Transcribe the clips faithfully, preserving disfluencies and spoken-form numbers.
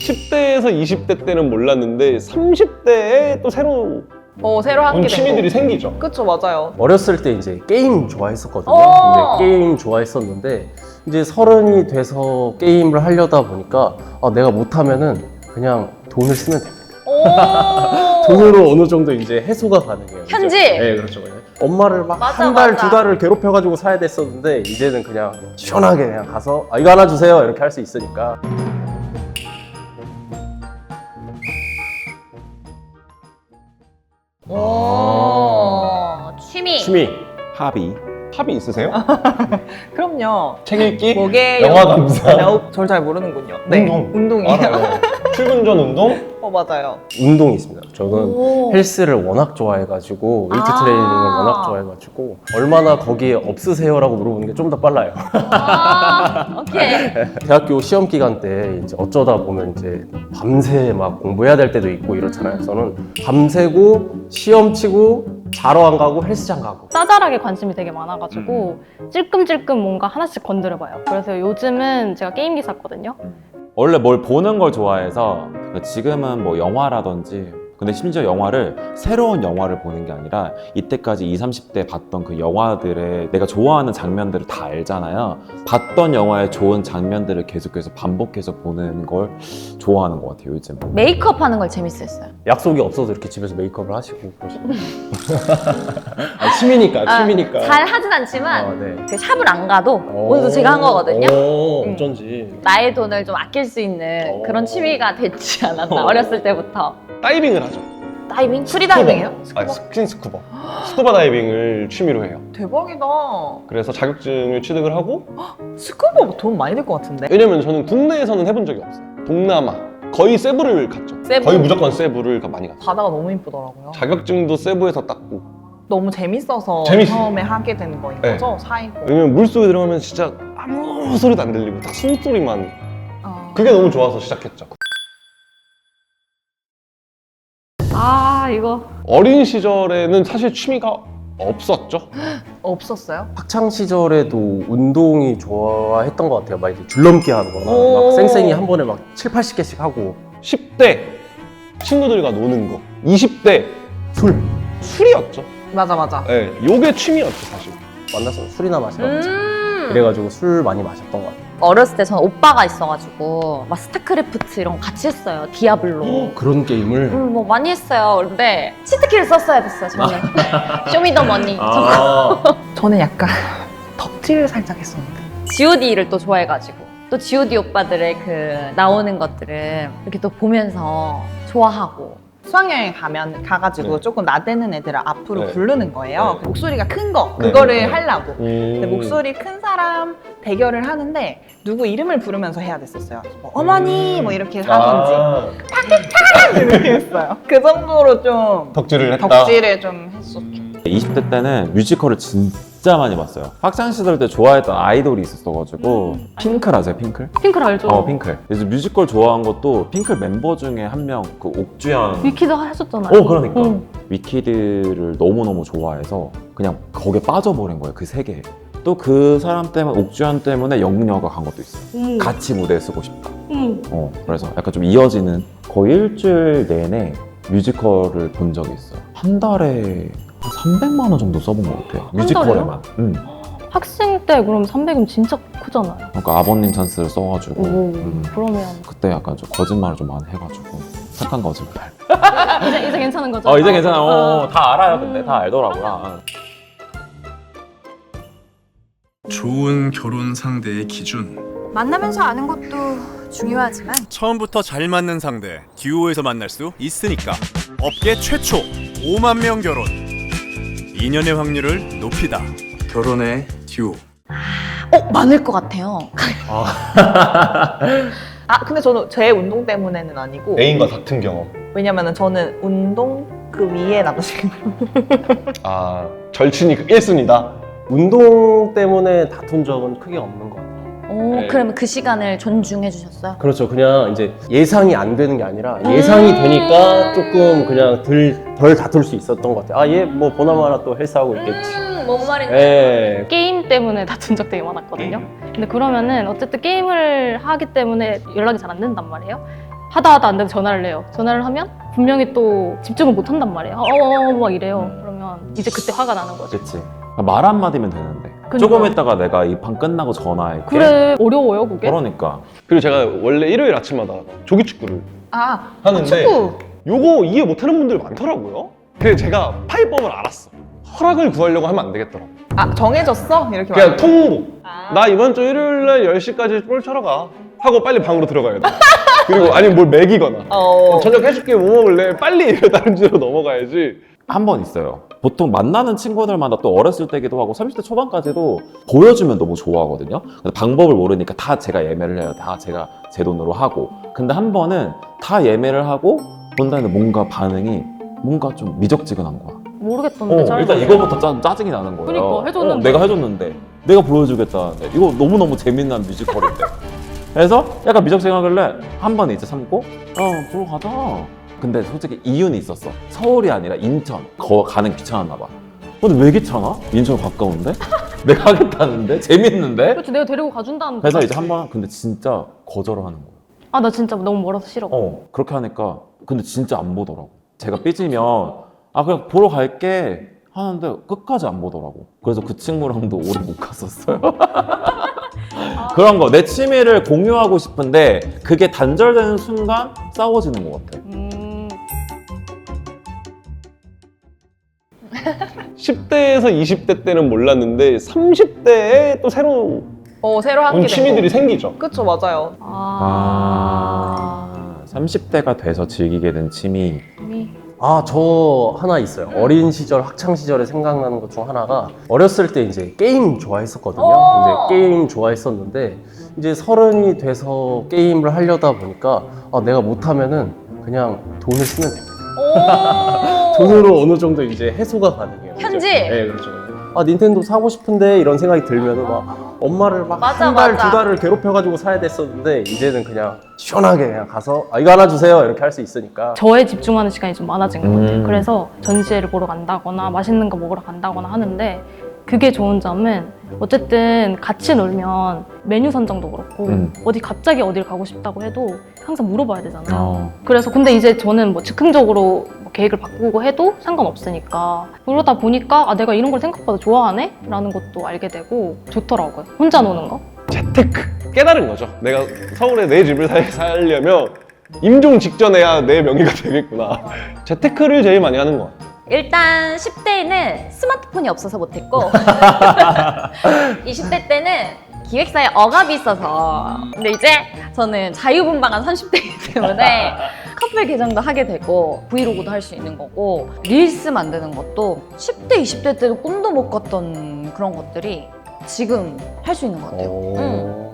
십 대에서 이십 대 때는 몰랐는데 삼십 대에 또 새로운 어, 새로 하게 된 취미들이 거. 생기죠. 그쵸, 맞아요. 어렸을 때 이제 게임 좋아했었거든요. 어! 근데 게임 좋아했었는데 이제 서른이 돼서 게임을 하려다 보니까 아, 내가 못하면은 그냥 돈을 쓰면 됩니다. 오! 돈으로 어느 정도 이제 해소가 가능해요. 이제. 현지? 네, 그렇죠. 엄마를 막 맞아, 한 달, 맞아. 두 달을 괴롭혀가지고 사야 됐었는데 이제는 그냥 시원하게 그냥 가서 아, 이거 하나 주세요 이렇게 할 수 있으니까. 오, 취미. 취미. 합의. 합의 있으세요? 그럼요. 책 읽기? 뭐게 영화 감상? 저를 잘 모르는군요. 네, 운동. 운동이에요. 알아요. 출근 전 운동? 어, 맞아요. 운동이 있습니다. 저는 오. 헬스를 워낙 좋아해가지고 웨이트 아. 트레이닝을 워낙 좋아해가지고 얼마나 거기에 없으세요? 라고 물어보는 게 좀 더 빨라요. 아, 오케이. 대학교 시험 기간 때 이제 어쩌다 보면 이제 밤새 막 공부해야 될 때도 있고 이렇잖아요. 저는 밤새고 시험 치고 자러 안 가고 헬스장 가고. 짜잘하게 관심이 되게 많아가지고 찔끔찔끔 뭔가 하나씩 건드려봐요. 그래서 요즘은 제가 게임기 샀거든요. 원래 뭘 보는 걸 좋아해서 지금은 뭐 영화라든지 근데 심지어 영화를 새로운 영화를 보는 게 아니라 이때까지 이십, 삼십 대 봤던 그 영화들의 내가 좋아하는 장면들을 다 알잖아요. 봤던 영화의 좋은 장면들을 계속해서 반복해서 보는 걸 좋아하는 것 같아요, 요즘. 메이크업 하는 걸 재밌었어요. 약속이 없어서 이렇게 집에서 메이크업을 하시고 그러시고. 아, 취미니까, 취미니까. 아, 잘 하진 않지만 아, 네. 그 샵을 안 가도 오. 오늘도 제가 한 거거든요. 오, 음. 어쩐지. 나의 돈을 좀 아낄 수 있는 오. 그런 취미가 됐지 않았나, 오. 어렸을 때부터. 다이빙을 하죠. 다이빙? 프리다이빙이요? 아, 스킨 스쿠버. 스쿠버 다이빙을 취미로 해요. 대박이다. 그래서 자격증을 취득을 하고 스쿠버 돈 많이 들 것 같은데? 왜냐면 저는 국내에서는 해본 적이 없어요. 동남아 거의 세부를 갔죠. 세부? 거의 무조건 세부를 가- 많이 갔죠. 바다가 너무 이쁘더라고요. 자격증도 세부에서 땄고 너무 재밌어서 재밌어요. 처음에 하게 된 거인 네. 거죠? 사이고. 왜냐면 물속에 들어가면 진짜 아무 소리도 안 들리고 딱 숨소리만 어. 그게 너무 좋아서 시작했죠. 아 이거 어린 시절에는 사실 취미가 없었죠. 없었어요? 학창 시절에도 운동이 좋아했던 것 같아요. 막 이제 줄넘기 하는 거나 오. 막 쌩쌩이 한 번에 막 칠, 팔십 개씩 하고. 십 대 친구들과 노는 거, 이십 대 술. 술이었죠. 맞아, 맞아. 네, 요게 취미였죠 사실. 만나서 술이나 마시러 가자. 음. 그래가지고 술 많이 마셨던 것 같아요. 어렸을 때 저는 오빠가 있어가지고 막 스타크래프트 이런 거 같이 했어요. 디아블로. 그런 게임을. 음, 뭐 많이 했어요. 근데 치트키를 썼어야 됐어요, 저는. 쇼미더머니. 아. 저는 약간 덕질을 살짝 했었는데. 지오디를 또 좋아해가지고 또 지오디 오빠들의 그 나오는 것들을 이렇게 또 보면서 좋아하고. 수학여행 가면 가가지고 네. 조금 나대는 애들을 앞으로 네. 부르는 거예요. 네. 목소리가 큰 거, 네. 그거를 네. 하려고. 근데 음. 목소리 큰 사람 대결을 하는데 누구 이름을 부르면서 해야 됐었어요. 뭐 어머니 뭐 이렇게 하든지 아, 이렇게 했어요. 그 정도로 좀 덕질을 했다. 덕질을 좀 했었죠. 이십 대 때는 뮤지컬을 진짜 많이 봤어요. 학창 시절 때 좋아했던 아이돌이 있었어가지고 핑클 아세요, 핑클? 핑클 알죠? 어, 핑클. 그래서 뮤지컬 좋아한 것도 핑클 멤버 중에 한 명, 그 옥주현. 위키도 하셨잖아요. 어, 그러니까. 응. 위키드를 너무너무 좋아해서 그냥 거기에 빠져버린 거예요, 그 세계에. 또 그 사람 때문에, 옥주현 때문에 영문영화가 간 것도 있어요. 어머, 같이 무대에 쓰고 싶다. 어머. 어, 그래서 약간 좀 이어지는 거의 일주일 내내 뮤지컬을 본 적이 있어요. 한 달에 한 삼백만 원 정도 써본 것 같아요. 뮤지컬에만. 응. 학생 때 그럼 삼백은 진짜 크잖아요. 그러니까 아버님 찬스를 써가지고 오, 음, 그러면 그때 약간 좀 거짓말을 좀 많이 해가지고 착한 거짓말. 이제 이제 괜찮은 거죠? 어 이제 괜찮아. 어, 어. 다 알아요. 근데 다 알더라고요. 좋은 결혼 상대의 기준. 만나면서 아는 것도 중요하지만 처음부터 잘 맞는 상대 듀오에서 만날 수 있으니까. 업계 최초 오만 명 결혼. 인연의 확률을 높이다. 결혼의 듀오. 어, 많을 것 같아요. 아 근데 저는 제 운동 때문에는 아니고 애인과 같은 경험. 왜냐면은 저는 운동 그 위에 남자친구 아 절친이 일 순위다. 운동 때문에 다툰 적은 크게 없는 것 같아요. 오, 네. 그러면 그 시간을 존중해 주셨어요? 그렇죠. 그냥 이제 예상이 안 되는 게 아니라 예상이 되니까 조금 그냥 덜, 덜 다툴 수 있었던 것 같아요. 아, 얘 뭐 보나마나 또 헬스하고 있겠지. 음, 뭔 말인지. 예. 게임 때문에 다툰 적 되게 많았거든요. 근데 그러면은 어쨌든 게임을 하기 때문에 연락이 잘 안 된단 말이에요. 하다 하다 안 돼서 전화를 해요. 전화를 하면 분명히 또 집중을 못 한단 말이에요. 어어어 막 이래요. 그러면 이제 그때 화가 나는 거죠. 그치. 말 한마디면 되는데. 그러니까. 조금 있다가 내가 이 판 끝나고 전화할게. 그래 어려워요 그게. 그러니까. 그리고 제가 원래 일요일 아침마다 조기축구를 아, 하는데 축구. 요거 이해 못하는 분들 많더라고요. 그래서 제가 파이법을 알았어. 허락을 구하려고 하면 안 되겠더라고. 아, 정해졌어? 이렇게 그냥 말하는 통보. 아. 나 이번 주 일요일날 열 시까지 볼 쳐러 가. 하고 빨리 방으로 들어가야 돼. 그리고 아니면 뭘 먹이거나. 어. 저녁 해줄게 뭐 먹을래? 빨리 다른 주로 넘어가야지. 한 번 있어요. 보통 만나는 친구들마다 또 어렸을 때기도 하고 삼십 대 초반까지도 보여주면 너무 좋아하거든요. 근데 방법을 모르니까 다 제가 예매를 해요. 다 제가 제 돈으로 하고. 근데 한 번은 다 예매를 하고 본다는데 뭔가 반응이 뭔가 좀 미적지근한 거야. 모르겠던데. 어, 잘 일단 모르겠어요. 이거부터 짜, 짜증이 나는 거예요. 그러니까, 해줬는데. 어, 내가 해줬는데 내가 보여주겠다는데 이거 너무너무 재밌는 뮤지컬인데. 그래서 약간 미적지근하길래 한 번 이제 참고 어 보러 가자. 근데 솔직히 이유는 있었어. 서울이 아니라 인천. 거 가는 귀찮았나 봐. 근데 왜 귀찮아? 인천 가까운데? 내가 하겠다는데? 재밌는데? 그렇지 내가 데리고 가준다는 그래서 거지. 이제 한 번 근데 진짜 거절을 하는 거야. 아 나 진짜 너무 멀어서 싫어. 어 그렇게 하니까 근데 진짜 안 보더라고. 제가 삐지면 아 그냥 보러 갈게 하는데 끝까지 안 보더라고. 그래서 그 친구랑도 오래 못 갔었어요. 그런 거 내 취미를 공유하고 싶은데 그게 단절되는 순간 싸워지는 것 같아. 음... 십 대에서 이십 대 때는 몰랐는데 삼십 대에 또 새로운 어, 새로 하게 취미들이 생기죠. 그쵸, 맞아요. 아... 아 삼십 대가 돼서 즐기게 된 취미. 미... 아, 저 하나 있어요. 어린 시절, 학창 시절에 생각나는 것 중 하나가 어렸을 때 이제 게임 좋아했었거든요. 이제 게임 좋아했었는데 이제 서른이 돼서 게임을 하려다 보니까 아, 내가 못하면은 그냥 돈을 쓰면 됩니다. 돈으로 어느 정도 이제 해소가 가능해요. 현지? 이제. 네, 그렇죠. 아, 닌텐도 사고 싶은데 이런 생각이 들면은 막 엄마를 막 맞아, 한 달, 맞아. 두 달을 괴롭혀가지고 사야 됐었는데 이제는 그냥 시원하게 그냥 가서 아, 이거 하나 주세요 이렇게 할 수 있으니까. 저에 집중하는 시간이 좀 많아진 것 같아요. 음. 그래서 전시회를 보러 간다거나 맛있는 거 먹으러 간다거나 하는데 그게 좋은 점은 어쨌든 같이 놀면 메뉴 선정도 그렇고 음. 어디 갑자기 어딜 가고 싶다고 해도 항상 물어봐야 되잖아요. 어. 그래서 근데 이제 저는 뭐 즉흥적으로 뭐 계획을 바꾸고 해도 상관없으니까 그러다 보니까 아 내가 이런 걸 생각보다 좋아하네? 라는 것도 알게 되고 좋더라고요. 혼자 노는 거. 재테크 깨달은 거죠. 내가 서울에 내 집을 살, 살려면 임종 직전에야 내 명의가 되겠구나. 재테크를 제일 많이 하는 것 같아요. 일단 십 대에는 스마트폰이 없어서 못했고 이십 대 때는 기획사에 억압이 있어서 근데 이제 저는 자유분방한 삼십 대이기 때문에 커플 계정도 하게 되고 브이로그도 할 수 있는 거고 릴스 만드는 것도 십 대, 이십 대 때도 꿈도 못 꿨던 그런 것들이 지금 할 수 있는 것 같아요. 오. 응.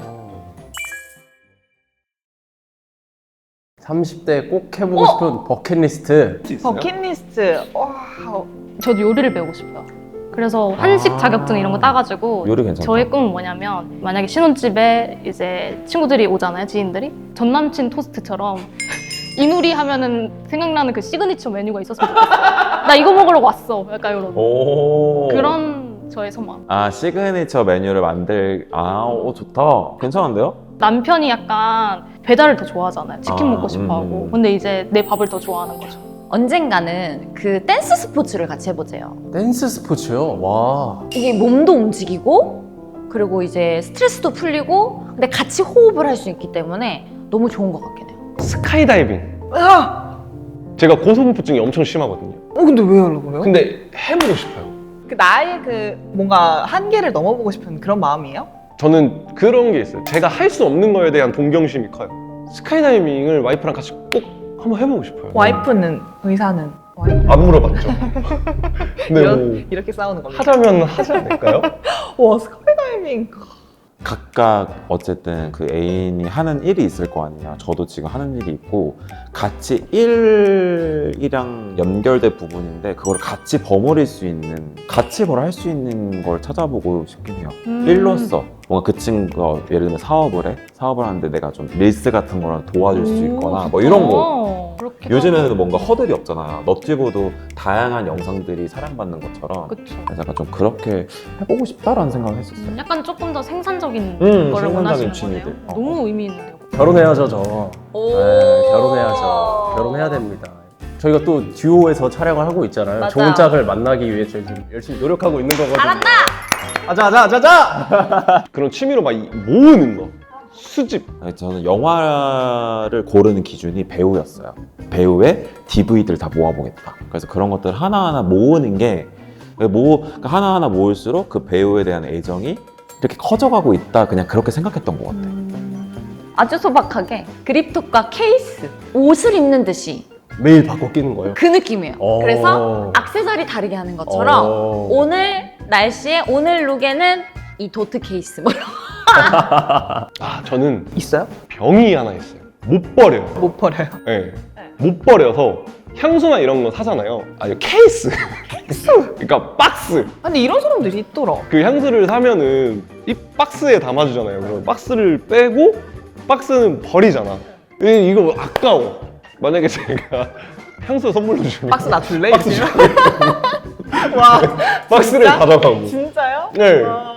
삼십 대 꼭 해보고 싶은 버킷리스트. 버킷리스트. 와, 저도 요리를 배우고 싶어요. 그래서 한식 아. 자격증 이런 거 따가지고 요리 괜찮다. 저의 꿈은 뭐냐면 만약에 신혼집에 이제 친구들이 오잖아요, 지인들이. 전 남친 토스트처럼 이누리 하면은 생각나는 그 시그니처 메뉴가 있었으면 좋겠어. 나 이거 먹으러 왔어. 약간 이런 오. 그런 저의 소망. 아 시그니처 메뉴를 만들. 아, 오 좋다. 괜찮은데요? 남편이 약간 배달을 더 좋아하잖아요. 치킨 아, 먹고 싶어하고. 음. 근데 이제 내 밥을 더 좋아하는 거죠. 언젠가는 그 댄스 스포츠를 같이 해보세요. 댄스 스포츠요? 와. 이게 몸도 움직이고 그리고 이제 스트레스도 풀리고 근데 같이 호흡을 할 수 있기 때문에 너무 좋은 것 같긴 해요. 스카이다이빙. 아! 제가 고소공포증이 엄청 심하거든요. 어, 근데 왜 하려고 그래요? 근데 해보고 싶어요. 그 나의 그 뭔가 한계를 넘어보고 싶은 그런 마음이에요? 저는 그런 게 있어요. 제가 할 수 없는 거에 대한 동경심이 커요. 스카이다이빙을 와이프랑 같이 꼭 한번 해보고 싶어요. 와이프는, 의사는? 와이프. 안 물어봤죠. 근데 이런, 뭐 이렇게 싸우는 겁니다. 하자면 하지 않을까요? 와, 스카이다이빙. 각각 어쨌든 그 애인이 하는 일이 있을 거 아니냐. 저도 지금 하는 일이 있고 같이 일이랑 연결된 부분인데 그걸 같이 버무릴 수 있는 같이 뭘 할 수 있는 걸 찾아보고 싶긴 해요. 음. 일로서 뭔가 그 친구가 예를 들면 사업을 해 사업을 하는데 내가 좀 릴스 같은 거랑 도와줄 수 있거나 뭐 이런 거. 거. 그렇게 요즘에는 뭔가 허들이 없잖아요. 너튜브도 다양한 영상들이 사랑받는 것처럼. 그쵸. 그래서 약간 좀 그렇게 해보고 싶다라는 생각을 했었어요. 약간 조금 더 생산적인 음, 거를 생산적인 원하시는 취미들. 거네요. 어. 너무 의미 있는데요. 결혼해야죠, 저. 오. 네, 결혼해야죠. 결혼해야 됩니다. 저희가 또 듀오에서 촬영을 하고 있잖아요. 맞아. 좋은 짝을 만나기 위해 저희 지금 열심히 노력하고 있는 거거든요. 잘한다! 아자아자아자자! 그런 취미로 막 이- 모으는 거. 수집. 아니, 저는 영화를 고르는 기준이 배우였어요. 배우의 디브이디를 다 모아보겠다. 그래서 그런 것들 하나하나 모으는 게 모, 그러니까 하나하나 모을수록 그 배우에 대한 애정이 이렇게 커져가고 있다. 그냥 그렇게 생각했던 것 같아요. 아주 소박하게 그립톡과 케이스, 옷을 입는 듯이 매일 바꿔 끼는 거예요. 그 느낌이에요. 오. 그래서 액세서리 다르게 하는 것처럼 오. 오늘 날씨에 오늘 룩에는 이 도트 케이스 뭐 이런 아, 저는 있어요? 병이 하나 있어요. 못 버려요. 못 버려요. 네. 못 버려서 향수나 이런 거 사잖아요. 아니, 케이스. 그러니까 박스. 근데 이런 사람들이 있더라. 그 향수를 사면은 이 박스에 담아주잖아요. 그럼 박스를 빼고 박스는 버리잖아. 이- 이거 아까워. 만약에 제가 향수 선물로 주면 박스 나 줄래? 박스 이러면? 와, 박스를 진짜? 가져가고. 진짜요? 네. 와.